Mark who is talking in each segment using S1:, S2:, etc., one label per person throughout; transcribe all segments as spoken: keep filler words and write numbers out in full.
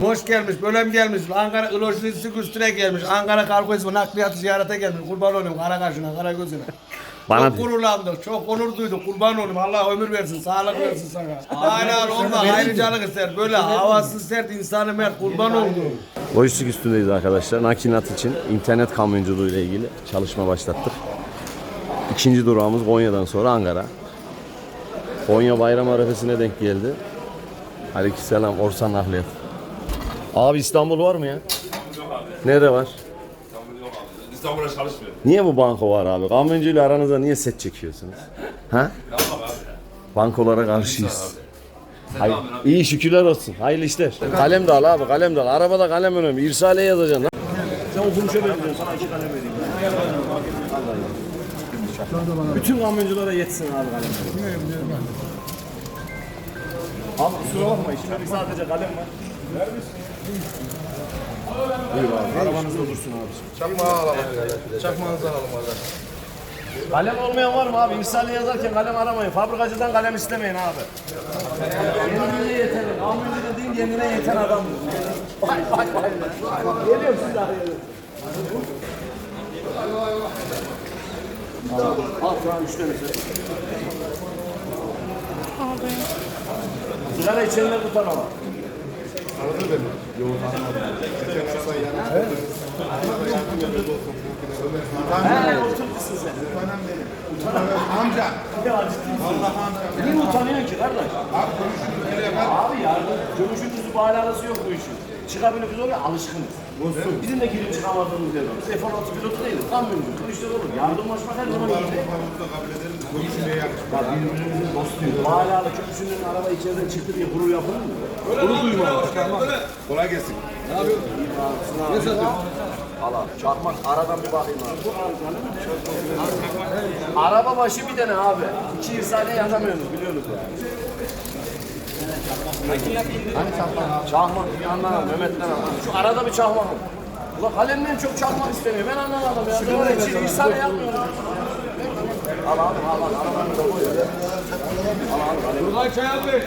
S1: Hoş gelmiş, bölüm gelmiş, Ankara lojistik üstüne gelmiş, Ankara kargo ismi nakliyatı ziyarete gelmiş. Kurban olayım kara kaşına, kara gözüne.
S2: Bana
S1: çok gururlandık, çok onur duyduk. Kurban olayım, Allah ömür versin, sağlık versin sana. Aynen olma, ayrıcalık ister. Böyle havasız sert, insanı mert, kurban oldu.
S2: Lojistik üstündeyiz arkadaşlar. Nakilat için internet kamyonculuğu ile ilgili çalışma başlattık. İkinci durağımız Konya'dan sonra Ankara. Konya bayram arefesine denk geldi. Aleykümselam Orsan Nakliyat. Abi İstanbul var mı ya? Nerede var?
S3: İstanbul'a çalışmıyor.
S2: Niye bu banko var abi? Kamyoncuyla aranızda niye set çekiyorsunuz? Ha? Bankolara karşıyız. Hayır. İyi şükürler olsun. Hayırlı işler. Kalem de al abi, kalem de al. Arabada kalem önemli. İrsaliye yazacaksın. Sen okumuşa benziyorsun. Sana iki kalem vereyim. Bütün kamyonculara yetsin abi kalem. Abi kusura bakma. İşte sadece kalem var. Buyur abi. Arabanızda dursun abi.
S4: Çakmağı alalım. Çakmağınızı alalım kardeş.
S2: Kalem olmayan var mı abi? İrsaliye yazarken kalem aramayın. Fabrikacıdan kalem istemeyin abi. Kendine yeter. Kamyoncu dediğin kendine yeter adam. Vay vay vay. Geliyorum siz arayalım. Al şu an üç tanesi. Sigara içenler tutar ama.
S4: Anladın mı? Yoğurt anlamadım. Geçen hafta yani.
S2: He, oturmuşsun sen.
S4: Amca.
S2: Allah amca. Niye utanıyorsun ki kardeş?
S4: Abi konuşuyoruz. Nereye bak?
S2: Abi yardım, gömüşün bir alakası yok bu işin. Çıkabilir biz oraya alışkınız. Bizim de girip çıkamadığımız yer var. Biz F on altı pilotu değiliz. Kamyoncu, kılıçlar olur. Yardımlaşmak her zaman iyi.
S4: Konuşmamızda kabul ederiz. Konuşmaya yakışmıyor.
S2: Ya birbirimizin dostuyuz. Hala da köprüsünün araba içeriden çıktı diye gurur yapılır mı? Gurur duymalı.
S4: Kolay gelsin.
S2: Ne satıyorsun? Allah çarpmak aradan bir bakayım abi. Araba başı bir tane abi. İki irsaliye yazamıyorsunuz biliyorsunuz yani. Hani çakmak? Çakmak bir anlamam Mehmet'ten anlamam. Şu arada bir çakmak mı? Ulan kalemden çok çakmak istemiyor. Ben anlamadım ya. Ben oraya çiğ irsaliye yapmıyorum. Al abi al al. Arabanı da koy. Al al kalem.
S1: Buradan çay almış.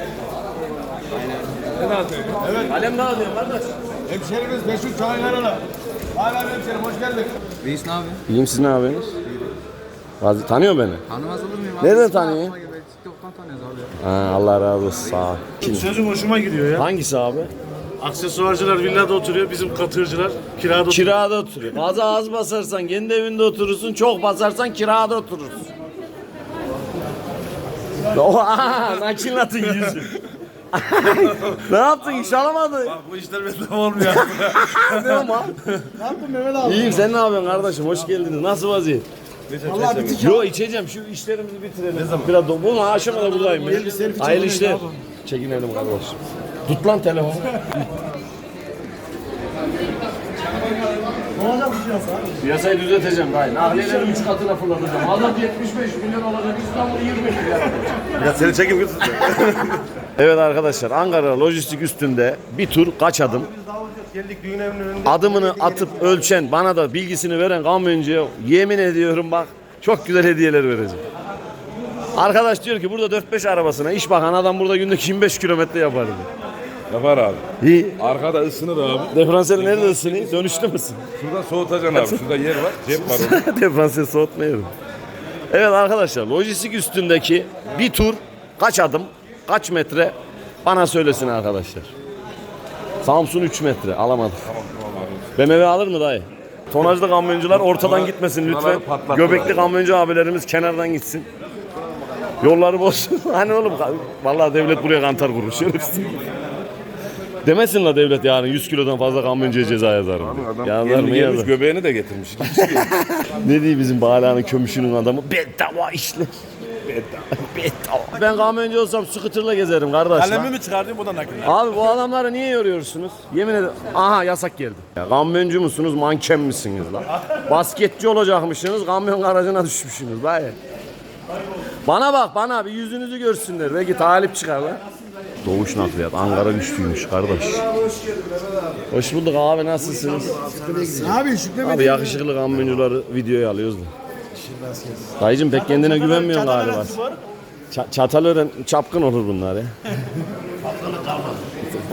S2: Evet. Kalem ne alıyorsun kardeş?
S1: Hemşerimiz meşhur çaylarına. Hala hemşerim, hoş geldin.
S5: Reis ne abi?
S2: İyiyim siz ne yapıyorsunuz? Bazı tanıyor beni.
S5: Tanımaz olur muyum abi?
S2: Nereden
S5: İsmi
S2: tanıyor?
S5: aklıma geldi. TikTok'tan tanıyoruz abi.
S2: Ha, Allah razı olsun sağ ol. Kim?
S6: Sözüm hoşuma gidiyor ya.
S2: Hangisi abi?
S6: Aksesuarcılar villada oturuyor, bizim katırcılar kirada oturuyor.
S2: Kirada oturuyor. Gaza az basarsan kendi evinde oturursun, çok basarsan kirada oturursun. Oha, nakilatın yüzü. Ne yaptın, iş alamadın?
S6: Bu işler bedava olmuyor.
S2: Ne ama?
S1: Ne yaptın Mehmet abi?
S2: İyiyim, sen ne yapıyorsun kardeşim? Hoş geldiniz. Nasıl vaziyet?
S1: Vallahi bitik.
S2: Yo içeceğim, şu işlerimizi bitirelim. Ne zaman? Biraz bu mu? Akşama da buradayım ben. Hayırlı işler. Çekinelim kardeşim. Tut lan telefonu. Piyasayı düzelteceğim dayı. Nahliyeleri üç katına fırlatacağım. Adam yetmiş beş milyon olacak, İstanbul yirmi milyar olacak.
S6: Ya seni çekim götür.
S2: Evet arkadaşlar, Ankara lojistik üstünde bir tur kaç adım?
S6: Geldik düğün evinin önünde.
S2: Adımını atıp ölçen, bana da bilgisini veren kamyoncuya yemin ediyorum bak çok güzel hediyeler vereceğim. Arkadaş diyor ki burada dört beş arabasına iş bakan adam burada günde yirmi beş kilometre yapar diyor.
S3: Yapar abi.
S2: İyi.
S3: Arkada ısınır abi.
S2: Diferansiyel nerede ısınıyor? Dönüşte misin?
S3: Şurada soğutacaksın abi. Şurada yer var. Cep var orada.
S2: Diferansiyel soğutmuyorum. Evet arkadaşlar lojistik üstündeki bir tur kaç adım, kaç metre bana söylesin arkadaşlar. Samsun üç metre alamadık. B M W alır mı dayı? Tonajlı kamyoncular ortadan gitmesin lütfen. Göbekli kamyoncu abilerimiz kenardan gitsin. Yolları bozsun. Hani oğlum vallahi devlet buraya kantar kurur. Şerefsiz. Demesin la devlet yarın yüz kilodan fazla kamyoncuya ceza yazarım.
S3: Adam
S2: Yazar
S3: gelmiş,
S2: mı
S3: gelmiş
S2: yazar?
S3: göbeğini de getirmiş.
S2: Ne diyor bizim Bağla'nın kömüşünün adamı? Bedava işler. Bedava. Ben kamyoncu olsam scooter'la gezerim kardeş.
S6: Kalemi mi çıkartayım o da nakil.
S2: Abi bu adamları niye yoruyorsunuz? Yemin ederim. Aha yasak geldi. Ya, kamyoncu musunuz, manken misiniz lan? Basketçi olacakmışsınız, kamyon garajına düşmüşsünüz dayı. Bana bak bana bir yüzünüzü görsünler. Belki talip çıkar lan. Doğuş nakliyat. Ankara güçlüymüş kardeş. Hoş bulduk abi nasılsınız?
S1: Abi şükrü
S2: Abi yakışıklı kamyoncuları videoya alıyoruz da. Dayıcım pek kendine güvenmiyorsun galiba. Ç- Çatalören çapkın olur bunlar ya.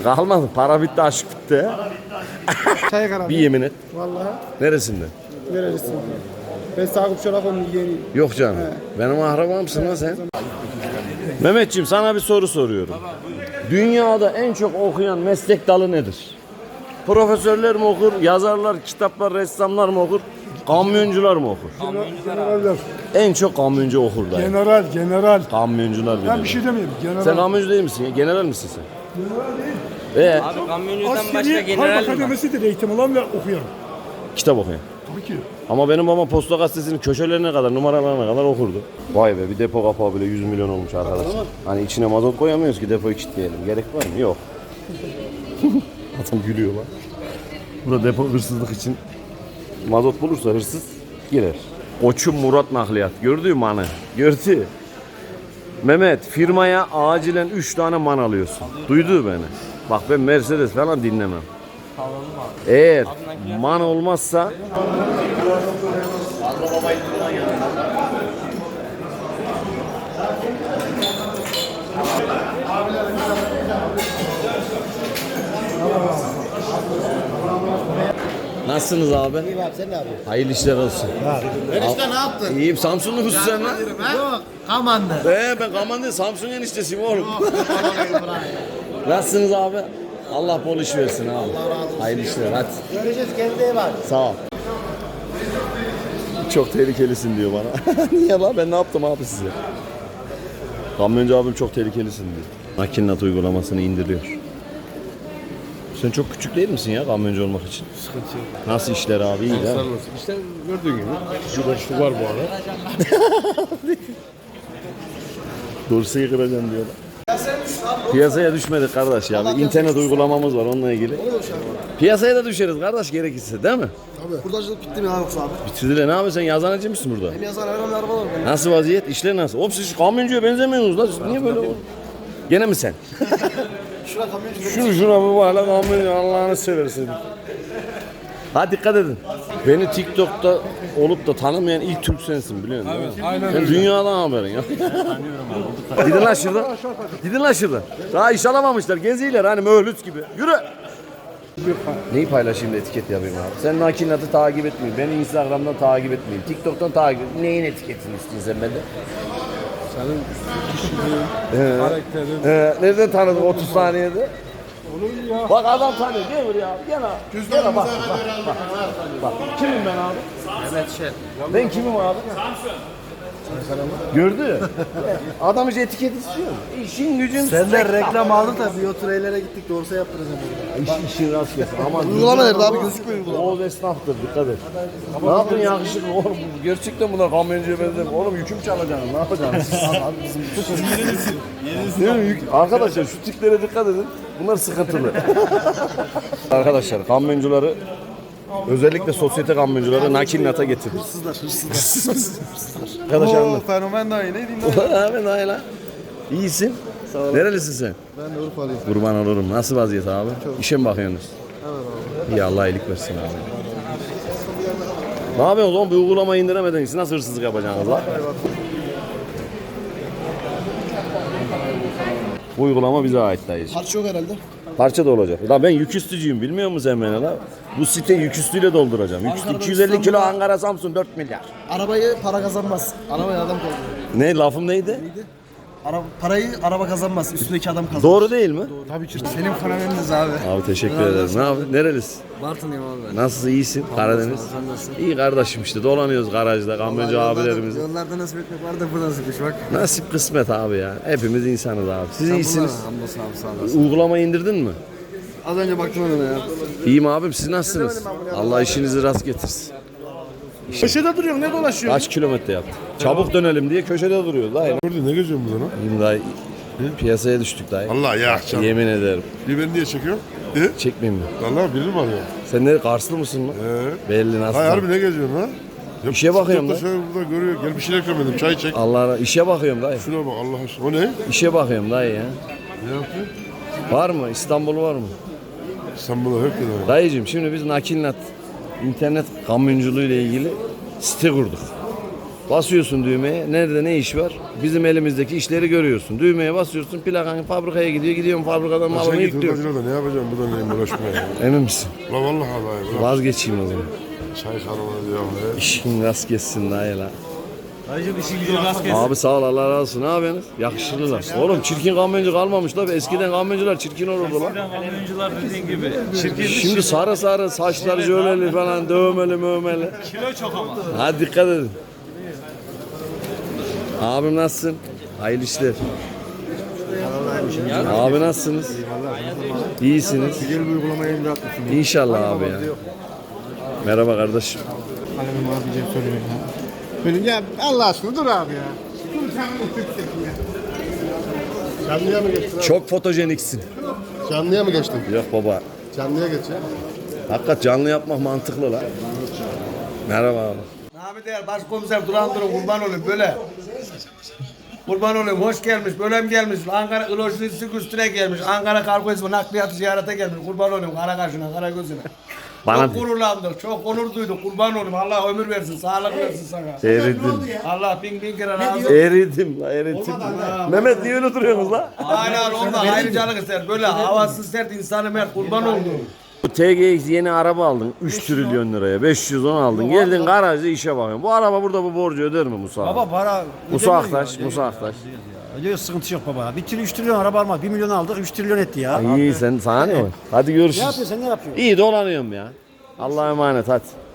S2: Kalmadı. Para bitti, aşk bitti.
S4: Çay abi.
S2: Bir yemin et.
S4: Vallahi
S2: Neresinde?
S4: nerelisin? Ben Sakıp Çolakoğlu'nun yeğeniyim.
S2: Yok canım. Benim akrabamsın lan sen. Mehmetciğim sana bir soru soruyorum. Dünyada en çok okuyan meslek dalı nedir? Profesörler mi okur, yazarlar, kitaplar, ressamlar mı okur, kamyoncular mı okur?
S4: Generaller.
S2: En çok kamyoncu okur dayı.
S4: General, general.
S2: Kamyoncular
S4: Ben
S2: biliyor.
S4: bir şey demeyeyim. General.
S2: Sen kamyoncu değil misin ya? General misin sen? Ee,
S5: Abi kamyoncudan başka
S4: Askeri
S5: general
S4: Harp
S5: mi var?
S4: Akademisi'dir eğitim alan ve okuyan.
S2: kitap okuyan.
S4: Tabii ki.
S2: Ama benim babam Posta Gazetesi'nin köşelerine kadar, numaralarına kadar okurdu. Vay be, bir depo kapağı bile yüz milyon olmuş arkadaşlar. Hani içine mazot koyamıyoruz ki depoyu kilitleyelim. Gerek var mı? Yok. Adam gülüyor lan. Burada depo hırsızlık için mazot bulursa hırsız girer. Koçum Murat Nakliyat. Gördün mü anı? Gördü. Mehmet, firmaya acilen üç tane man alıyorsun. Duydu beni. Bak ben Mercedes falan dinlemem. Eğer man olmazsa nasılsınız abi?
S7: İyi abi sen ne yapıyorsun?
S2: Hayırlı işler olsun.
S7: Enişte ne yaptın?
S2: İyiyim, Samsunlu musun sen lan?
S7: Yok Kaman'da.
S2: Ee, ben Kaman değil, Samsun eniştesiyim oğlum. Nasılsınız abi? Allah bol iş versin abi. Hayırlı işler, hadi.
S7: Görüşürüz kendine iyi bak.
S2: Sağ ol. Çok tehlikelisin diyor bana. Niye lan? Ben ne yaptım abi size? Kamyoncu abim çok tehlikelisin diyor. Makinat uygulamasını indiriyor. Sen çok küçük değil misin ya kamyoncu olmak için?
S6: Sıkıntı yok.
S2: Nasıl işler abi? İyi değil mi?
S6: İşte gördüğün gibi. Şu boşluk var bu arada.
S2: Dorsayı kıracağım diyorlar. Piyasaya düşmedik kardeş ya. Bir internet uygulamamız var onunla ilgili. Piyasaya da düşeriz kardeş gerekirse değil mi?
S7: Hurdacılık bitti mi ya yoksa abi?
S2: Bitirdiler. Ne yapıyorsun sen? Yazanacı mısın burada?
S7: Hem yazar hem araba var.
S2: Nasıl vaziyet? İşler nasıl? Oğlum siz kamyoncuya benzemiyorsunuz lan. Siz niye böyle oldu? Gene mi sen?
S7: Şuna kamyoncu.
S2: Şunu şuna bir bak lan kamyoncu Allah'ını seversin. Ha dikkat edin. Beni TikTok'ta olup da tanımayan ilk Türk sensin biliyor musun? Evet, aynen öyle. Dünyadan haberin ya. Gidin lan şuradan. Gidin lan şuradan. Daha iş alamamışlar. Geziyorlar hani möhlüt gibi. Yürü. Neyi paylaşayım da etiket yapayım abi? Sen Nakilat'ı takip etmeyin. Beni Instagram'dan takip etmeyin. TikTok'tan takip etmeyin. Neyin etiketini istiyorsun sen benden?
S6: Senin kişiliğin, karakterin.
S2: Ee, nereden tanıdın otuz saniyede? Bak adam tanıyor. Gel buraya abi. Gel abi. Gel abi. Bak, bak, bak, bak. Kimim ben abi?
S5: Mehmet Şen.
S2: Ben kimim abi? Gördü. Adam hiç etiket istiyor. İşin gücün.
S7: Senden reklam aldık da biyotureylere gittik doğrusu yaptıracağım.
S2: İş, işin rast gelsin. Ama
S7: Uygulama nerede abi gözükmüyor uygulama.
S2: Oğuz esnaftır dikkat et. Ne yaptın yakışıklı oğlum? Gerçekten bunlar kamyoncuya benzemiyor. Oğlum yüküm çalacaksın. Ne yapacaksın? Abi bizim Değil mi? Yük- Arkadaşlar şu tiplere dikkat edin. Bunlar sıkıntılı. Arkadaşlar kamyoncuları özellikle sosyete kamyoncuları Nakilat'a getirdik.
S7: Hırsızlar hırsızlar.
S2: Arkadaşlar anlat.
S7: Fenomen daha iyi neydi?
S2: Abi Naila. İyisin.
S7: Sağ ol.
S2: Nerelisin sen?
S7: Ben de Urfalıyım.
S2: Kurban olurum. Nasıl vaziyet abi? İşe mi bakıyorsunuz?
S7: Evet abi.
S2: İyi Allah iyilik versin abi. Ne yapıyorsunuz oğlum? Bir uygulamayı indiremediniz. Siz nasıl hırsızlık yapacaksınız lan? Bu uygulama bize ait dayıcı.
S7: Harç yok herhalde.
S2: Parça da olacak. La ben yüküstücüyüm bilmiyor musun sen beni la? Bu site yüküstüyle dolduracağım. Yüküstü
S7: Ankara'da,
S2: iki yüz elli kilo
S7: İstanbul'da-
S2: Ankara Samsun dört milyar.
S7: Arabayı para kazanmaz. Arabayı adam kazanır.
S2: Ne lafım neydi?
S7: Ara, parayı araba kazanmaz. Üstündeki adam kazanır.
S2: Doğru değil mi?
S7: Tabii ki. Senin fenomeniniz abi.
S2: Abi teşekkür ederiz. Ne abi? Nerelisin?
S5: Bartın'ıyım abi ben.
S2: Nasılsın? İyisin? Karadeniz.
S5: Sen nasılsın?
S2: İyi kardeşim işte dolanıyoruz garajda kamyoncu abilerimiz.
S5: Yollarda nasip etmek var da burada sıkış bak.
S2: Nasip kısmet abi ya. Hepimiz insanız abi. Siz iyisiniz.
S5: Hamdolsun abi sağ olasın.
S2: Uygulamayı indirdin mi?
S7: Az önce baktım ona ya.
S2: İyiyim abim siz nasılsınız? Allah işinizi rast getirsin.
S6: Köşede duruyor ne dolaşıyor?
S2: Kaç kilometre yaptın? Çabuk dönelim diye köşede duruyoruz dayı.
S6: Gördün ne geziyorsun burada lan?
S2: İyiyim dayı. Piyasaya düştük dayı.
S6: Allah ya canım.
S2: Yemin ederim.
S6: Bir beni niye çekiyor? E?
S2: Çekmeyeyim mi?
S6: Vallahi biri mi arıyor?
S2: Sen ne Karslı mısın mı?
S6: Ee?
S2: Belli nasıl?
S6: Hay harbi ne geziyorsun lan? Ya,
S2: İşe bakıyorum
S6: da.
S2: da.
S6: Şöyle burada görüyor. Gel bir şeyler gömedim. Çay çek.
S2: Allah işe bakıyorum dayı.
S6: Şuna bak Allah aşkına. O ne?
S2: İşe bakıyorum dayı ya.
S6: Ne yapıyor?
S2: Var mı? İstanbul var mı?
S6: İstanbul'a yok ya.
S2: Dayıcığım şimdi biz Nakilat internet kamyonculuğu ile ilgili site kurduk. Basıyorsun düğmeye. Nerede ne iş var? Bizim elimizdeki işleri görüyorsun. Düğmeye basıyorsun. Plakan fabrikaya gidiyor. Gidiyorum fabrikadan malımı
S4: Sen git
S2: yüklüyorum.
S4: hurdacılarda ne yapacağım buradan neyim uğraşmaya.
S2: Emin misin?
S4: La vallahi vallahi. Bırak.
S2: Vazgeçeyim o zaman.
S4: Çay kanalına diyorum. he.
S2: İşin rast geçsin dayı la. Abi sağ ol Allah razı olsun. Ne yapıyorsunuz? Yakışıklılar. Oğlum çirkin kamyoncu kalmamış da. Eskiden kamyoncular çirkin olurdu lan.
S6: Kamyoncular dediğin gibi. Çirkin
S2: Şimdi sarı sarı saçları jöleli falan dövmeli mövmeli.
S6: kilo çok ama.
S2: Hadi dikkat edin. Abim nasılsın? Hayırlı işler. Abi nasılsınız? İyisiniz.
S4: Gel bir uygulamayı imza atmışsın.
S2: İnşallah abi ya. Merhaba kardeşim.
S4: Kalemim abicim söylüyor ya. Benim ya Allah aşkına dur abi ya. Dur sen Canlıya mı geçtin abi?
S2: Çok fotojeniksin.
S4: Canlıya mı geçtin?
S2: Yok baba.
S4: Canlıya geç ya.
S2: Hakikat canlı yapmak mantıklı lan. Merhaba abi.
S1: Nami değer başkomiser duran durun kurban olayım böyle. Kurban olayım hoş gelmiş, bölüm gelmiş. Ankara lojistik üstüne gelmiş. Ankara kargo ismi nakliyatı ziyarete gelmiş. Kurban olayım kara kaşına, kara gözüne.
S2: Bana
S1: çok gururlandık, çok onur duyduk. Kurban olayım. Allah ömür versin, sağlık versin sana.
S2: eridim.
S1: Allah bin bin kere razı olsun.
S2: Eridim la eridim. Mehmet niye öyle duruyorsunuz la?
S1: Aynen onda ayrıcalık ister. Böyle havasız sert insanı mert kurban oldu.
S2: Bu T G X yeni araba aldın üç trilyon liraya beş yüz on aldın geldin garajda işe bakıyorsun. Bu araba burada bu borcu öder mi Musa?
S8: Baba para
S2: Musa Aktaş, Musa Aktaş.
S8: ödüyor, sıkıntı yok baba. Bir trilyon, üç trilyon araba almak, bir milyon aldık, üç trilyon etti ya.
S2: İyi sen sana ne var? Hadi
S8: Ne
S2: görüşürüz.
S8: yapıyorsun sen, ne yapıyorsun?
S2: İyi dolanıyorum ya. Allah'a emanet hadi.